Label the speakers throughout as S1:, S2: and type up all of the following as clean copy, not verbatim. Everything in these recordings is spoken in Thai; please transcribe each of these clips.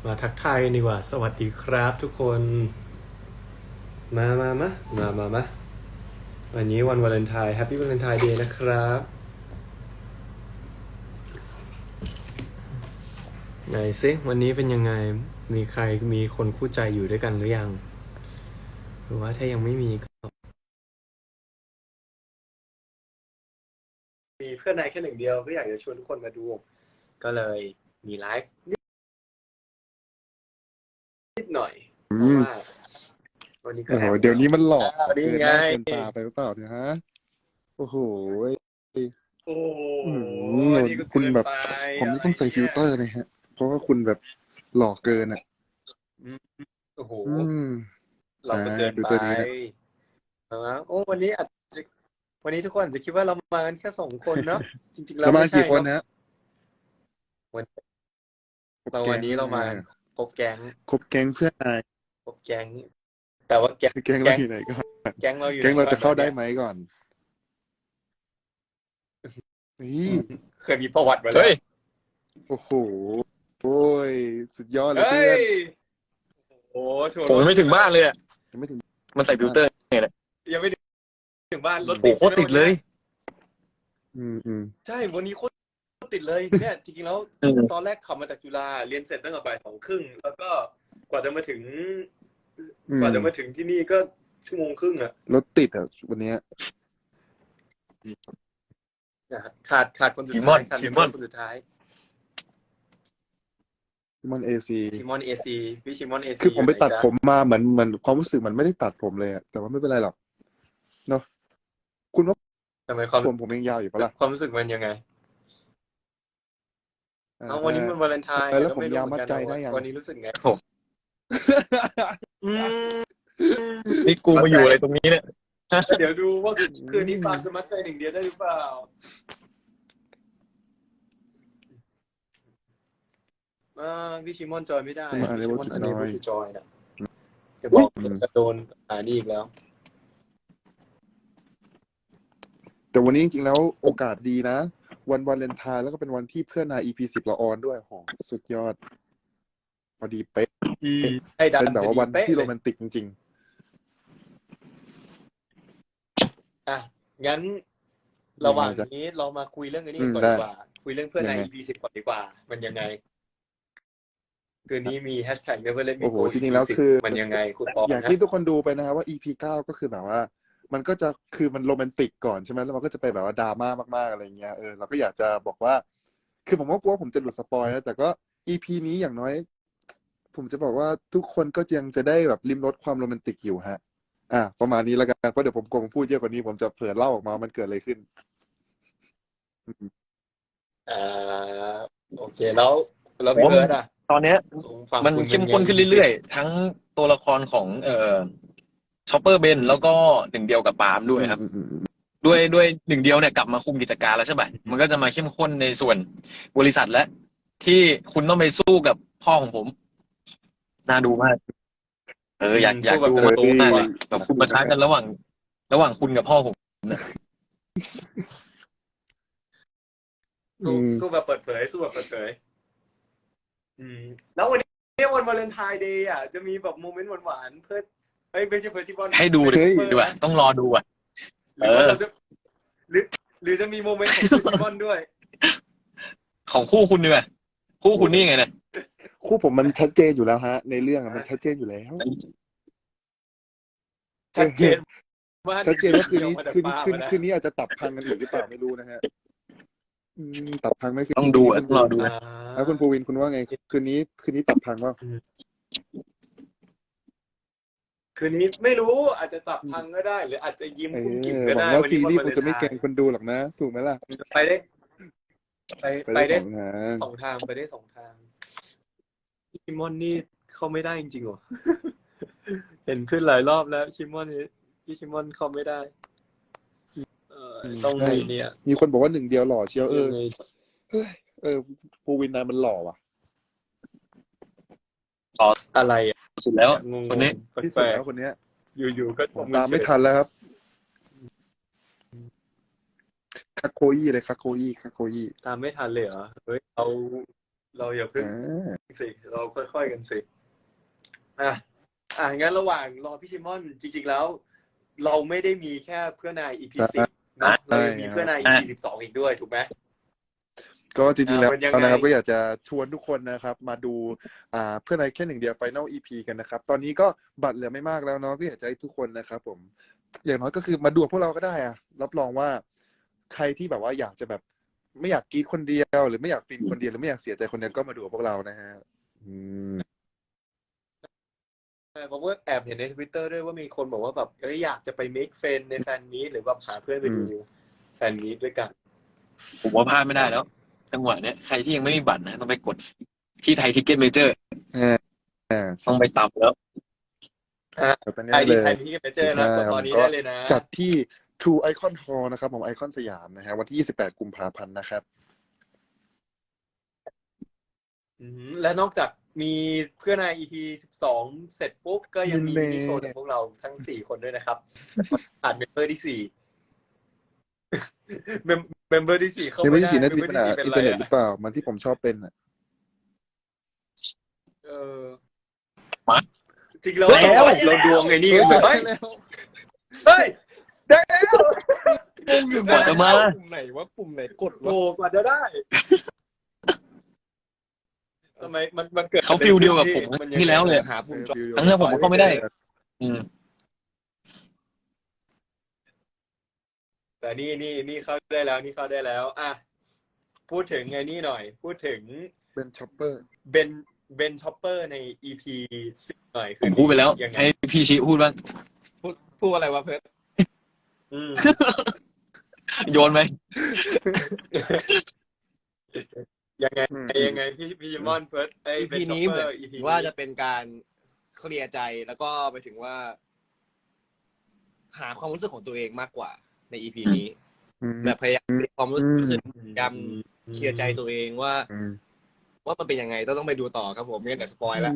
S1: มาทักทายกันดีกว่าสวัสดีครับทุกคนมาวันนี้วันวาเลนไทน์แฮปปี้วาเลนไทน์เดย์นะครับไหนซิวันนี้เป็นยังไงมีใครมีคนคู่ใจอยู่ด้วยกันหรือยังหรือว่าถ้ายังไม่มีก็มีเพื่อนนายแค่หนึ่งเดียวก็อยากจะชวนทุกคนมาดูก็เลยมีไลฟ์นิดหน่อยเพราะว่าวันนี้ก็
S2: โอ้โห
S1: แอบ
S2: เดี๋ยวนี้มันหลอก
S1: นี่
S2: เกินห
S1: ไง
S2: น้าเกินตาไปหรือเปล่าเนี่ยฮะโอ้โห
S1: โอ้โห
S2: อื
S1: นี่ก็
S2: คุณแบบ
S1: เกินไป
S2: ผม
S1: อะไร
S2: ต้องใส่ฟิ
S1: เนี่ย
S2: ลเตอร์เลยฮะเพราะว่าคุณแบบหลอกเกินอ่ะ
S1: อืมโอ้โห
S2: อืม
S1: เราก็เกินไป
S2: ฟิลเตอร์นี้นะ
S1: นะโอ้วันนี้อาจจะวันนี้ทุกคนอาจจะคิดว่าเรามากันแค่2 คนเนาะจริงๆแล้ว
S2: ประมาณ
S1: ไม่ใช่เนาะ
S2: กี่คนฮะ
S1: วัน
S2: ครบแก๊ง
S1: เรามาครบแก๊ง
S2: ครบแก๊งเพื่อนนาย
S1: ครบแก๊งแต่ว่าแก๊ง
S2: แก๊งเราอยู่ไหนก่อน
S1: แก๊งเราอยู่
S2: แก๊
S1: ไหน
S2: งเราจะเข้า
S1: ก่อนตอนเนี้ย
S2: ได้ไหมก่อนนี่
S1: อืมเคยมีประวัติมาแล้ว
S3: เฮ้ย
S2: โอ้โหโอ้ยสุดยอดเลย
S1: เฮ้
S2: เพื่อน
S1: ยโอ้โชว์
S3: ผมยังไม่ถึงบ้านเลยอ่ะ
S2: ยังไม่ถึง
S3: มันใส่ฟิล
S2: บ้าน
S3: เตอร์ไงเนี่ย
S1: ยังไม่ถึงบ้านรถ
S3: โอ้
S1: ติด
S3: โหโคตรติดเลย
S2: อืม
S1: ใช่วันนี้โคตรติดเลยเนี่ยจริงๆแล้วตอนแรกขับมาจากจุฬาเรียนเสร็จตั้งแต่บ่าย 2 ครึ่งแล้วก็กว่าจะมาถึง
S2: อืม
S1: ที่นี่ก็1 ชั่วโมงครึ่งอะ
S2: รถติดอ่ะวันเนี้ย
S1: ขาดคนสุด
S3: ชิม
S1: ท้า
S3: อย น
S1: ขาด
S3: ชิมอน
S1: คนสุดท้าย
S2: มันเอซี
S1: ชิมอนเอซีพี่ชิมอนเอซี
S2: คือผมไปตัดผม
S1: อยู่หนจ๊ะ
S2: มาเหมือนความรู้สึกมันไม่ได้ตัดผมเลยอะแต่ว่าไม่เป็นไรหรอกเนาะคุณว่า
S1: ทำไมความ
S2: ผมยังยาวอยู่ปะล่ะ
S1: ความรู้สึกมันยังไงเอาวันนี้มันวาเลนไทน์
S2: แล้ว
S1: ก็
S2: ผม
S1: ไม่รู้
S2: ยาว
S1: เหมือ
S2: มัด
S1: นกัน
S2: ใจ
S1: นะ
S2: ได้ยัง
S1: วันนี้รู้สึกไงอืม
S3: นี่กูมาอยู่อะไรตรงนี้เนี่ย
S1: เดี๋ยวดูว่าคืนนี้ฟาร์มสมัครใจหนึ่งเดียวได้หรือเปล่าพี่ชิมอนจอยไม่ได้
S2: มาเลย
S1: พี่ชิ
S2: ว่า
S1: มอน
S2: จุด
S1: อัน
S2: น้
S1: นี้
S2: อย
S1: ไม่จอยนะจะบอกจะโดนนี่อีกแล้ว
S2: แต่วันนี้จริงๆแล้วโอกาสดีนะ วันวาเลนไทน์แล้วก็เป็นวันที่เพื่อนนาย EP10เราออนด้วยโหสุดยอดพอดีเป๊ะ
S1: ให้ดัน
S2: เป็นแบบว่าวัน
S1: พอดี
S2: ที่
S1: เป๊ะ
S2: โร
S1: เลย
S2: แมนติกจริง
S1: อ่ะงั้นระหว่างนี้เรามาคุยเรื่องอันนี้ก่อนดีกว่า คุยเรื่องเพื่อนใน EP10 ก่อนดีกว่า มันยังไงคืนนี้มีแฮชแท็ก Never Let
S2: ๆ
S1: Me
S2: โอ้โห
S1: Go
S2: จริงๆแล้วคือ
S1: มันยังไงคุณปอ
S2: อย่าง
S1: นะ
S2: ที่ทุกคนดูไปนะครับว่า EP9 ก็คือแบบว่า มันก็จะคือมันโรแมนติกก่อนใช่ไหมแล้วมันก็จะไปแบบว่าดราม่ามากๆอะไรเงี้ยเราก็อยากจะบอกว่า คือผมก็กลัวผมจะหลุดสปอยนะแต่ก็ EP นี้อย่างน้อย ผมจะบอกว่าทุกคนก็ยังจะได้แบบลิ้มรสความโรแมนติกอยู่ฮะประมาณนี้แล้วกันเพราะเดี๋ยวผมกลัวผมพูดเยอะกว่านี้ผมจะเผลอเล่าออกมามันเกิดอะไรขึ้น
S1: อ่าโอเคแล้วพี่เบิร์ดอ่ะ
S3: ตอนเนี้ย
S1: ฝั่ง
S3: มัน
S1: คุณ
S3: เข้มข้นขึ้นเรื่อยๆ ทั้งตัวละครของชอปเปอร์เบนแล้วก็หนึ่งเดียวกับปาล์มด้วยครับ ด้วยหนึ่งเดียวเนี่ยกลับมาคุมกิจการแล้วใช่ไหมมันก็จะมาเข้มข้นในส่วนบริษัทและที่คุณต้องไปสู้กับพ่อของผม น่าดูมาก อยากดู
S1: สู้แบบ
S3: มาก
S1: โต
S3: เลยแบบคุณประทะกันระหว่างคุณกับพ่อผม
S1: สู้แบบเปิดเผยแล้ววันนี้วันวาเลนไทน์เดย์อ่ะจะมีแบบโมเมนต์หวานๆเพื่อไม่ใช่เพื่อที่บอล
S3: ให้ดู
S2: เฮ้ย
S3: ดีกว่าต้องรอดูอ่ะ
S1: หรือว่าเราจะหรือจะมีโมเมนต์ของที่บอลด้วย
S3: ของคู่คุณดีกว่าคู่คุณนี่ไงเนี่ย
S2: คู่ผมมันชัดเจนอยู่แล้วฮะ ในเรื่องมันชัดเจนอยู่แล้ว
S1: ชัดเจนว่า
S2: ชัดเจนว่าคืนนี้
S1: ออกมาจาก
S2: คืน
S1: ปาก
S2: คืน
S1: มานะ
S2: คืนนี้อาจจะตับพังกันอีกหรือเปล่าไม่รู้นะฮะตับพังไหมคืน
S3: ต้องดูอ่ะต้องรอดู
S2: แล้วคุณภูวินคุณว่าไงคืนนี้ตับพังว่า
S1: คืนนี้ไม่รู้อาจจะตับพังก็ได้ หรืออาจจะยิ้มกุ้มกิ่มก็
S2: หวั
S1: ได้
S2: งว่า
S1: วัน
S2: ซี
S1: นี้วัน
S2: รีส์
S1: วา
S2: ค
S1: เล
S2: ง
S1: น
S2: จะไม่
S1: ไท
S2: เกรง
S1: น์
S2: คนดูหรอกนะถูกไหมล่ะ
S1: ไปได้
S2: ไปได้สองทาง
S1: 2 ทางไปได้2 ทางชิมอนนี่เข้าไม่ได้จริงๆเหรอ เห็นขึ้นหลายรอบแล้วชิมอนพี่ชิมอนเข้าไม่ได้ต้องไงเนี่ย
S2: มีคนบอกว่าหนึ่งเดียวหล่อเชียว
S1: ยังไง
S2: ภูวินนายมันหล่อว่ะ
S1: อะไรอ่ะ
S3: สุดแล้ว
S1: งง
S3: คนนี้
S2: ที่สุ
S1: แป
S2: ด
S1: ล
S2: แล้
S1: ก
S2: วคนเนี้ย
S1: ๆอยู่ๆก็
S2: ผมตามไม่ทันแล้วครับคาโคอี้เลยคาโคอี้
S1: ตามไม่ทันเลยเหรอเฮ้ยเราเราอย่าเพิ่ง
S2: อ่า
S1: สิเราค่อยๆกันสิงั้นระหว่างรอพี่ชิมอนจริงๆแล้ว เราไม่ได้มีแค่เพื่อนนาย EP 10นะเรายังมีเพื่อนนาย EP 12อีกด้วยถูกไหม
S2: ก็จริงๆแล้ว
S1: มันยังไง
S2: นะครับก็อยากจะชวนทุกคนนะครับ มาดูเพื่อนในแค่หนึ่งเดียว Final EP กันนะครับ ตอนนี้ก็บัตรเหลือไม่มากแล้วเนาะก็อยากจะให้ทุกคนนะครับผมอย่างน้อยก็คือมาดูกับพวกเราก็ได้อะรับรองว่าใครที่แบบว่าอยากจะแบบไม่อยากกรีดคนเดียวหรือไม่อยากฟินคนเดียวหรือไม่อยากเสียใจคนเดียวก็มาดูกับพวกเรานะฮะ
S1: ผมก็แอบเห็นใน Twitter ด้วยว่ามีคนบอกว่าแบบอยากจะไป make friend ในแฟนมีตหรือว่าหาเพื่อนไปดูแฟนมีตด้วยกัน
S3: ผมว่าพลาดไม่ได้แล้ว จังหวะเนี้ยใครที่ยังไม่มีบัตรนะต้องไปกดที่ไทยทิกเก็ตเมเจอร์ต้องไปตับแล้ว
S2: ตอนนี้
S1: ไทย
S2: เล
S1: ที่
S2: ย
S1: ไทยที่เมเจอร์นะกดตอนนี้ได้เลยนะ
S2: จัดที่ True Icon Hall นะครับผมไอคอนสยามนะฮะวันที่28กุมภาพันธ์นะครับ
S1: และนอกจากมีเพื่อนนาย EP 12เสร็จปุ๊บก็ยังมีมินิโชว์จากพวกเราทั้ง4คนด้วยนะครับขาดเมมเบอร์ที่4เมมเบอร์ที่4เข้า
S2: เมมเบอ
S1: ไม่
S2: ร์
S1: ได้
S2: ที่4น่าจะมีปัญหา
S1: เป็น
S2: อิน
S1: ไร
S2: เทอร์เน็ตหรือเปล่ามันที่ผมชอบเป็นอ่ะ
S1: จริงแล้วเราดวงไอ้นี่กันเฮ้ยได้แล้ว
S3: กว่าจะมา
S4: ปุ่มไหนว่าปุ่มไหนกด
S1: โอ้กว่าจะได้ทำไมมันเกิด
S3: เขาฟิลเดียวกับผมที่แล้วเลย
S4: หาปุ่มจอ
S3: ครั้งแรกผมก็เข้าไม่ได้
S1: แต่นี่เข้าได้แล้วนี่เข้าได้แล้วพูดถึงไงนี่หน่อยพูดถึง
S2: เป็นช็อปเปอร์
S1: เบนช็อปเปอร์ใน EP 10หน่อย
S3: ผมพูดไปแล้ว ให้พี่ชี้พูดบ้าง
S4: พูดอะไรวะเพิร์ท
S3: โยนไหม
S1: ยังไงพี่ยิมอนเฟิร์ส
S4: อีพีนี้เหมือนว่าจะเป็นการเคลียร์ใจแล้วก็ไปถึงว่า หาความรู้สึกของตัวเองมากกว่าในอีพีนี้แบบพยายามความรู้สึกพยายามเคลียร์ใจตัวเองว่ามันเป็นยังไงต้องไปดูต่อครับผมไม่งั้นเดี๋ยวสปอยล์แล้ว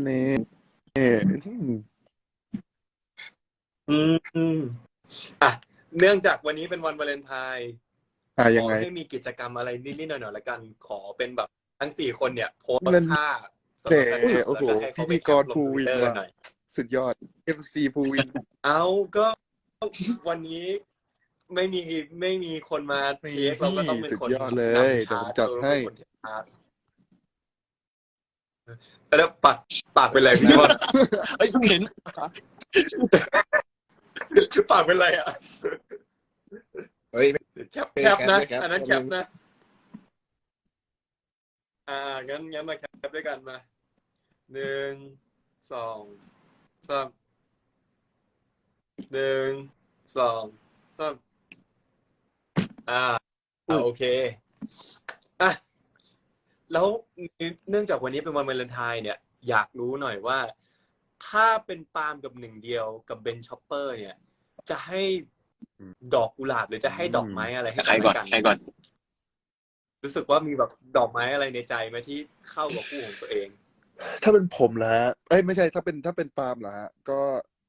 S1: เนื่องจากวันนี้เป็นวันวาเลนไทน์ข
S2: ยัง
S1: อ
S2: ไง
S1: ให้มีกิจกรรมอะไรนิดๆหน่อยๆละกันขอเป็นแบบทั้ง4คนเนี่ยโพสต์ท่าสำหรับแฟนคลับ
S2: โอ้โห
S1: แล้วก็ให้เขาไป
S2: พิธีกรภูวิน
S1: แคปลง Twitter หน่อย
S2: สุดยอด MC ภูวิน
S1: เอาก็วันนี้ไม่มีคนมาเทคเราก็ต้องเป็นคน
S2: สุดยอดเลยเดี๋ยวผมจัดให้
S1: แล้วปากเป็นไรพี่บอล
S3: เฮ้ยเพิ่งเห็น
S1: ปากเป็นไรอ่ะ
S4: เฮ้ย
S1: แคปนะอันนั้นแคปนะงั้นมาแคปด้วยกันมา1 2 3 1 2 3โอเคแล้วเนื่องจากวันนี้เป็นวันวาเลนไทน์เนี่ยอยากรู้หน่อยว่าถ้าเป็นปาล์มกับ1เดียวกับเบนช็อปเปอร์เนี่ยจะให้ดอกกุหลาบหรือจะให้ดอกไม้อะไรให้
S3: ใครก่อนใครก่อน
S1: รู้สึกว่ามีแบบดอกไม้อะไรในใจไหมที่เข้ากับคู่ของตัวเอง
S2: ถ้าเป็นผมแล้วไม่ใช่ถ้าเป็นปาล์มแล้วก็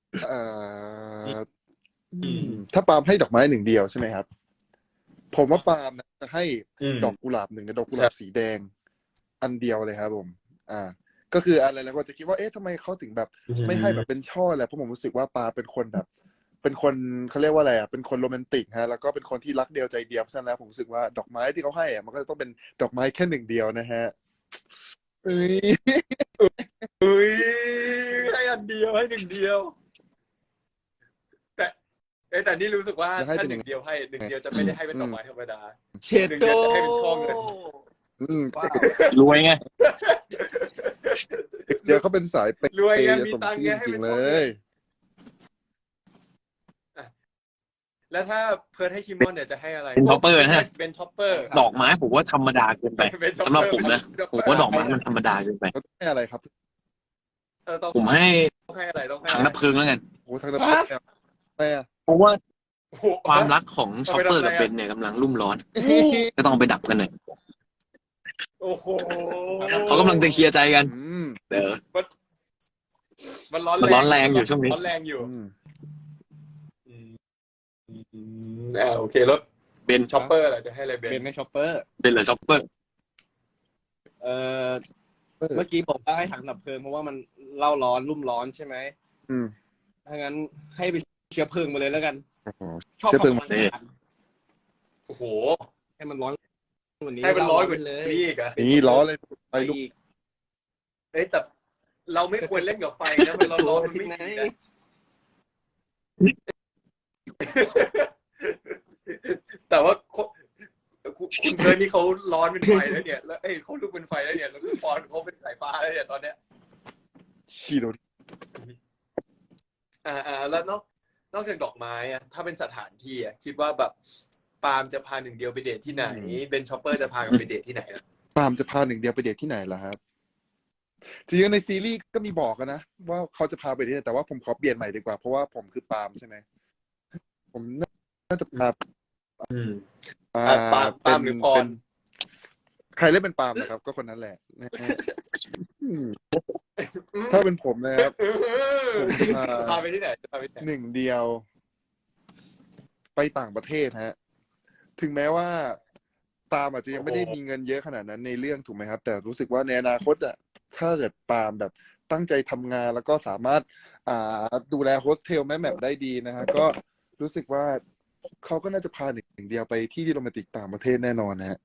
S2: ถ้าปาล์มให้ดอกไม้1เดียวใช่ไหมครับผมว่าปาล์มจะให้ดอกกุหลาบ1ดอกกุหลาบสีแดงอันเดียวเลยครับผมก็คืออะไรแล้วก็จะคิดว่าทำไมเขาถึงแบบไม่ให้แบบเป็นช่อแหละเพราะผมรู้สึกว่าปาเป็นคนแบบเป็นคนเขาเรียกว่าอะไรเป็นคนโรแมนติกฮะแล้วก็เป็นคนที่รักเดียวใจเดียวเพราะฉะนั้นแล้วผมรู้สึกว่าดอกไม้ที่เขาให้มันก็จะต้องเป็นดอกไม้แค่1เดียวนะฮะ
S1: ให้อันเดียวให้1เดียวแต่นี่รู้สึกว่าถ้า1เดียวให้1เดียวจะไม่ได้ให้เป็นดอกไม้ธรรมดา1เดียวจะให้เป็นช่อเงิน
S3: รวยไง
S2: เดี๋ยวเขาเป็นสายเปย์
S1: รวยไงมี
S2: สม
S1: ตังค์
S2: ชื่
S1: ไง
S2: อ
S1: ให้
S2: จริ
S1: เป็น
S2: งๆ
S1: ช่
S2: เล
S1: อเงิ
S2: ย
S1: นแล้วถ้าเพิร์ทให้ชิมอนเนี่ยจะให้อะไร
S3: เป็นช็อปเปอร์นะฮะ
S1: เป็นช็อปเปอร์
S3: ดอกไม้ผมว่าธรรมดาเกินไปสำหรับผมนะผมว่าดอกไม้มันธรรมดาเกินไป
S2: แล้วให้อะไรครับ
S3: ผมให้
S1: ต้องให้อะไรต้องให้
S3: ถังดับเพลิงแล้วกัน
S2: โอ้ทางนั้นไม่อะ
S3: เพราะว่าความรักของช็อปเปอร์กับเบนเนี่ยกำลังรุ่มร้อน ก็ต้องไปดับกันหน่อย
S1: โอ้โห
S3: เขากำลังจะเคลียร์ใจกันเดี๋ยว
S1: มันร้อน
S3: มันร้อนแรงอยู่ช่วงนี้
S1: ร้อนแรงอยู่โอเครถ
S3: เบน
S1: ช็อปเปอร์อะไรจะให้อะไรเบน
S4: เป็นไม่ช็อปเปอร์
S3: เบนหรือช็อปเปอร์
S4: เมื่อกี้บอกว่าให้ถังดับเพลิงเพราะว่ามันเล่าร้อนรุ่มร้อนใช่ไหม
S2: อืม
S4: ถ้างั้นให้ไปเชื้อเพลิงมาเลยแล้วกัน
S2: โอ้โห
S4: ชอบ
S2: เชื้อเพลิง
S4: ความร้อน
S1: โอ้โห
S4: ให้มันร้อนกว่านี้
S1: ให้มันร้อนกว่า
S4: เล่า
S1: นี้อีกอะ
S2: นี่ล้อเลย
S4: ไป
S2: ไปลุก
S4: อีก
S1: เอ้ยแต่เราไม่ควรเล่นกับไฟนะมันร้อนๆมันไม่ดีนะแต่ว่าคุณเธอนี่เขาร้อนเป็นไฟแล้วเนี่ย แล้วเขาลุกเป็นไฟแล้วเนี่ยแล้วคุณปอนเขาเป็นสายฟ้าแล้วเนี่ยตอนเนี้ย
S2: ชีโด
S1: แล้วนอกจากดอกไม้อะถ้าเป็นสถานที่อะคิดว่าแบบปาล์มจะพาหนึ่งเดียวไปเดทที่ไหนเบนชอปเปอร์จะพากันไปเดทที่ไหนนะ
S2: ปาล์มจะพาหนึ่งเดียวไปเดทที่ไหนล่ะครับจริงๆในซีรีส์ก็มีบอกกันนะว่าเขาจะพาไปที่ไหนแต่ว่าผมขอเปลี่ยนใหม่ดีกว่าเพราะว่าผมคือปาล์มใช่ไหมผมน่าจะพา
S1: ปาล์มหรือปอน
S2: ใครเล่นเป็นปาล์มนะครับ ก็คนนั้นแหละนะฮะถ้าเป็นผมนะครับผม
S1: พาไปที่ไหนพาไปที่ไหน
S2: หนึ่งเดียว ไปต่างประเทศฮะ ถึงแม้ว่าปาล์มอาจจะยังไม่ได้มีเงินเยอะขนาดนั้นในเรื่องถูกไหมครับ แต่รู้สึกว่าในอนาคตอะถ้าเกิดปาล์มแบบตั้งใจทำงานแล้วก็สามารถดูแลโฮสเทลแม่แมปได้ดีนะฮะก็รู้สึกว่าเขาก็น่าจะพาหนึ่งเดียวไปที่โรแมนติกต่างประเทศแน่นอนนะฮะ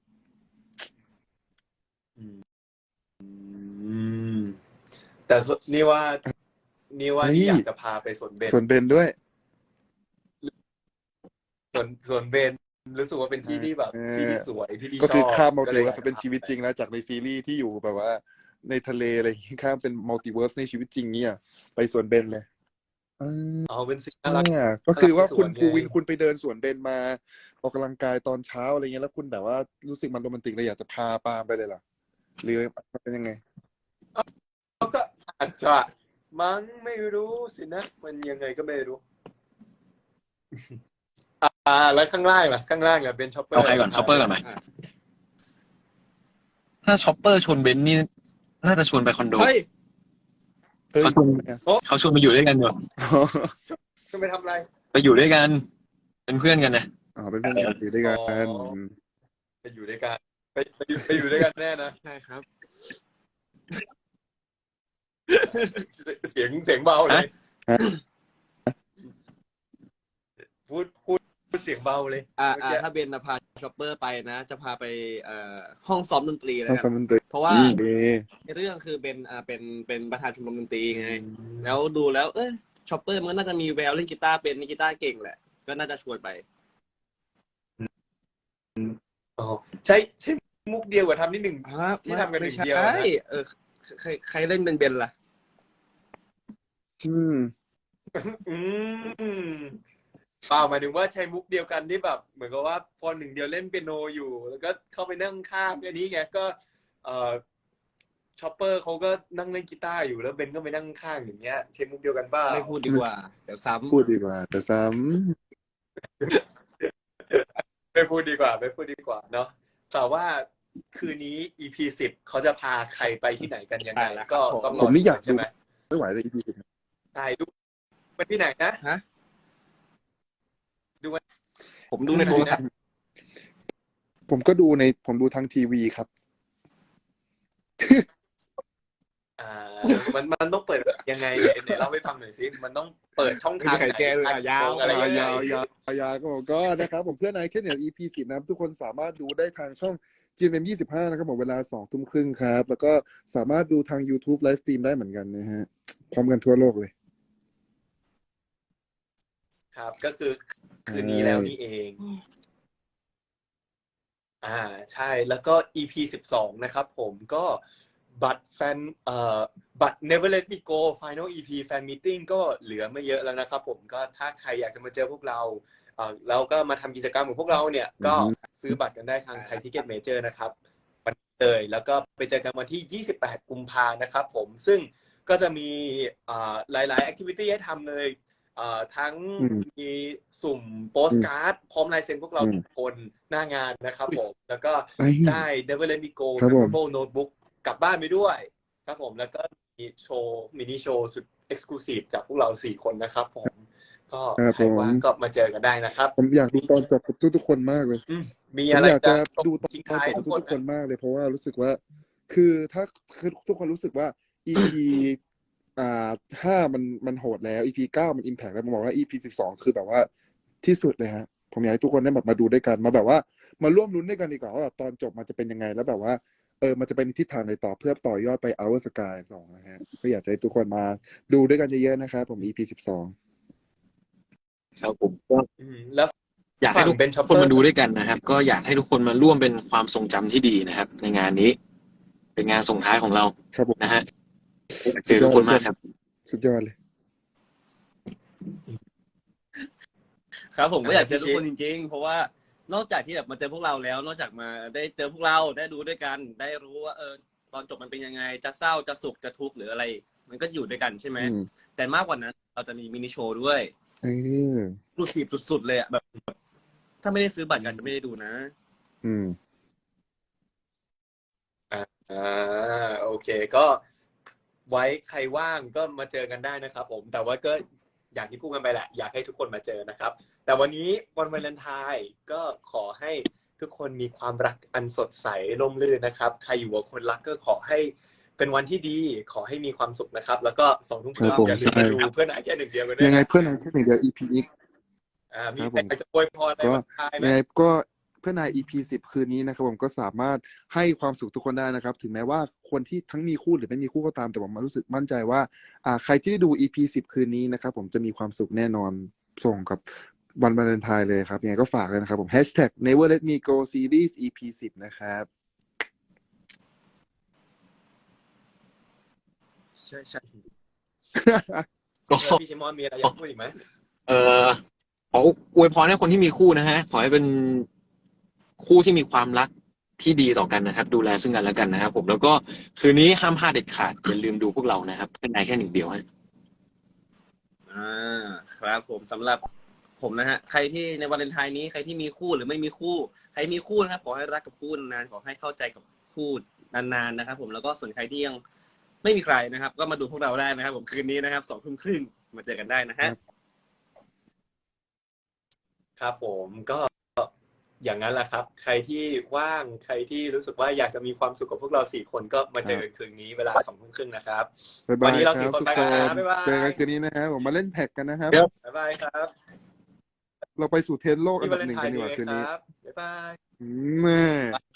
S1: แต่นี่ว่าที่อยากจะพาไปสวนเบน
S2: ส่วนเบนด้วย
S1: สวนเบนรู้สึกว่าเป็นที่ที่แบบที่ที่สวยที่ที่ชอบ
S2: ก็คือข้ามมัลติเวิร์ส
S1: ก็ลย
S2: เป็นชีวิตจริงแล้วจากในซีรีส์ที่อยู่แบบว่าในทะเลอะไรอย่างงี้ข้ามเป็นมัลติเวิร์สในชีวิตจริงเนี่ยไปสวนเบนเลย
S1: เป็นสิ่งน่ารัก
S2: ก็คือว่าคุณ
S1: สวนไง
S2: ภูวินคุณไปเดินสวนเบนมาออกกำลังกายตอนเช้าอะไรเงี้ยแล้วคุณแบบว่ารู้สึกมันโรแมนติกเลยอยากจะพาปาล์มไปเลยเหรอหรือมันเป็นยังไง
S1: ก็อาจจะมั้งไม่รู้สินะมันยังไงก็ไม่รู้แล้วข้างล่างล่ะเป็นชอปเปอร์
S3: เอาใครก่อนชอปเปอร์ก่อนไหมถ้าชอปเปอร์ชวนเบนนี่น่าจะชวนไปคอนโด
S4: เฮ้ย
S3: เขาชวนไปอยู่ด้วยกันอยู่
S1: จะไปทำอะไร
S3: ไปอยู่ด้วยกันเป็นเพื่อนกันนะ
S2: เป็นเพื่อนกันอยู่ด้วยกัน
S1: ไปอยู่ด้วยกันไปอยู่ด้วยกันแน่นะ
S4: ใช่ครับ
S1: เสียงเบาเลยพูดเสียงเบาเลย
S4: ถ้าเบนพาช็อปเปอร์ไปนะ จะพาไปห้องซ้อมดนตรีเลย
S2: ต้อง
S4: นะ
S2: สมันตึก
S4: เพราะว่า
S2: ดี
S4: ในเรื่องคือเบนเป็นประธานชมรมดนตรีไง แล้วดูแล้วช็อปเปอร์มันก็น่าจะมีแววเล่นกีตาร์เป็นกีตาร์เก่งแหละ ก็น่าจะชวนไป
S1: ใช่มุกเดียวกับทำนิดหนึ่ง ที่ทำกันหนึ่งเดียวนะ
S4: ใช่ใครเล่นเป็นเบนล่ะ
S1: เปล่าหมายถึงว่าใช้มุกเดียวกันที่แบบเหมือนกับว่าพอหนึ่งเดียวเล่นเปียโนอยู่ แล้วก็เข้าไปนั่งข้างอันนี้ไงก็ชอปเปอร์เขาก็นั่งเล่นกีตาร์อยู่แล้วเบนก็ไปนั่งข้างอย่างเงี้ยใช้มุกเดียวกันบ้า
S4: ไม่พูดดีกว่า เดี๋ยวซ้ำ
S2: พูดดีกว่าแต่ซ้
S1: ไม่พูดดีกว่าเนาะแต่ว่าคืนนี้ EP 10เขาจะพาใครไปที่ไหนกันยังไงก็ต้องร
S2: ำผมไม่อยาก
S1: ใช่
S2: ดู
S1: ไหม
S2: ไม่ไหวเลย EP
S1: ใช่ดูไปที่ไหนนะ
S4: ฮะ
S1: ดูวัน
S4: ผมดูในโทรศัพท์
S2: ผมดูทางทีวีครับ
S1: มันต้องเปิดยังไงไหนเล่าให้ฟังหน่อยสิมันต้องเปิดช่องทาง
S4: ไข่แก้วเลยยาว
S1: อะไรยังไง
S2: ยาวก็นะครับผมเพื่อนนายแค่เนี่ย EP 10นะครับทุกคนสามารถดูได้ทางช่อง GMM 25นะครับผมเวลา 20:30 ครับแล้วก็สามารถดูทาง YouTube ไลฟ์สตรีมได้เหมือนกันนะฮะพร้อมกันทั่วโลกเลย
S1: ครับก็คือคืนนี้แล้วนี่เองใช่แล้วก็ EP 12นะครับผมก็บัตรบัตร Never Let Me Go Final EP Fan Meeting ก็เหลือไม่เยอะแล้วนะครับผมก็ถ้าใครอยากจะมาเจอพวกเราแล้วก็มาทำกิจกรรมของพวกเราเนี่ยก็ซื้อบัตรกันได้ทางไทยทิเก็ตเมเจอร์นะครับวันนี้เลยแล้วก็ไปเจอกันวันที่28กุมภานะครับผมซึ่งก็จะมีหลายๆแอคทิวิตี้ให้ทำเลยทั้งมีสุ่มโปสการ์ดพร้อมลายเซ็นพวกเราทุกคนหน้างานนะครับผมแล้วก็ได้ Never Let Me Go Memorable Notebook กลับบ้านไปด้วยครับผมแล้วก็มีโชว์มินิโชว์สุดเอ็กซ์คลูซีฟจากพวกเรา4คนนะครับผมก็ใครว่างก็มาเจอกันได้นะครับ
S2: ผมอยากดูตอนจบกับทุกคนมากเลย
S1: มี
S2: ผม
S1: อะไร
S2: อยากจะดูตอน
S1: ทิ้ง
S2: จ
S1: ท้าย
S2: บกับทุกคนมากเลยเพราะว่ารู้สึกว่าคือถ้าคือทุกคนรู้สึกว่า EP 5มันโหดแล้ว EP 9มัน impact แล้วผมบอกว่า EP 12คือแบบว่าที่สุดเลยฮะผมอยากให้ทุกคนได้แบบมาดูด้วยกันมาแบบว่ามาร่วมลุ้นด้วยกันดีกว่าว่าแบบตอนจบมันจะเป็นยังไงแล้วแบบว่ามันจะเป็นทิศทางไหนต่อเพื่อต่อยอดไป Our Sky 2นะฮะก็อยากจะให้ทุกคนมาดูด้วยกันเยอะๆนะครับผม EP 12
S3: ครับผมก็
S1: แล้ว
S3: อยากให้ทุกคนมาดูด้วยกันนะครับ ก็อยากให้ทุกคนมาร่วมเป็นความทรงจำที่ดีนะครับ ในงานนี้ เป็นงานส่งท้ายของเรา
S2: ครับผม
S3: นะฮะอยากเจอทุกคนมากครับ
S2: สุดยอดเลย
S4: ครับผมก็อยากเจอทุกคนจริงๆ เพราะว่านอกจากที่แบบมาเจอพวกเราแล้ว นอกจากมาได้เจอพวกเราได้ดูด้วยกัน ได้รู้ว่าตอนจบมันเป็นยังไงจะเศร้าจะสุขจะทุกข์หรืออะไร มันก็อยู่ด้วยกันใช่ไหมแต่มากกว่านั้นเราจะมีมินิโชว์ด้วยรูสีบสุดๆเลยอ่ะแบบถ้าไม่ได้ซื้อบัตรกันจะไม่ได้ดูนะ
S1: โอเคก็ไว้ใครว่างก็มาเจอกันได้นะครับผมแต่ว่าก็อย่างที่พูดกันไปแหละอยากให้ทุกคนมาเจอนะครับแต่วันนี้วันวาเลนไทน์ก็ขอให้ทุกคนมีความรักอันสดใสร่มรื่นนะครับใครอยู่กับคนรักก็ขอให้เป็นวันที่ดีขอให้มีความสุขนะครับแล้วก็2 ทุ่มครึ่งอย่าลืมมาดูเพื่อนนายแค่1 เดียวกันด้วย
S2: ยังไงเพื่อนนายแค่1 เดียว EP นี้
S1: มีใครจะอวยพรอะไรบ้างไหม
S2: ยังไงก็เพื่อนนาย EP 10คืนนี้นะครับผมก็สามารถให้ความสุขทุกคนได้นะครับถึงแม้ว่าคนที่ทั้งมีคู่หรือไม่มีคู่ก็ตามแต่ผมรู้สึกมั่นใจว่าใครที่ได้ดู EP 10คืนนี้นะครับผมจะมีความสุขแน่นอนส่งกับวันวาเลนไทน์เลยครับยังไงก็ฝากเลยนะครับผม #Never Let Me Go Series EP 10นะครับ
S1: ใช่
S3: ก็
S1: พี่ชิมอนมีอะไรอยากพูดอีกไหม
S3: ขออวยพรให้คนที่มีคู่นะฮะขอให้เป็นคู่ที่มีความรักที่ดีต่อกันนะครับดูแลซึ่งกันและกันนะครับผมแล้วก็คืนนี้ห้ามพลาดเด็ดขาดอย่าลืมดูพวกเรานะครับเป็นนายแค่1 เดียวฮะ
S4: ครับผมสำหรับผมนะฮะใครที่ในวาเลนไทน์นี้ใครที่มีคู่หรือไม่มีคู่ใครมีคู่นะครับขอให้รักกับคู่นานขอให้เข้าใจกับคู่นานๆนะครับผมแล้วก็ส่วนใครที่ยังไม่มีใครนะครับก็มาดูพวกเราได้นะครับผมคืนนี้นะครับ2 ทุ่มครึ่งมาเจอกันได้นะฮะ
S1: ครับผมก็อย่างนั้นแหละครับใครที่ว่างใครที่รู้สึกว่าอยากจะมีความสุขกับพวกเรา4 คนก็มาเจอกันคืนนี้เวลา2 ทุ่มครึ่งนะครับวันนี้เรา4 คนไปกันนะบ๊ายบาย
S2: เจอกันคืนนี้นะครับผมมาเล่นแท็กกันนะครับ
S1: บ๊ายบายครับ
S2: เราไปสู่เทรนด์โลกอันดับ 1กันดีกว่าคืนนี้
S1: บ๊ายบาย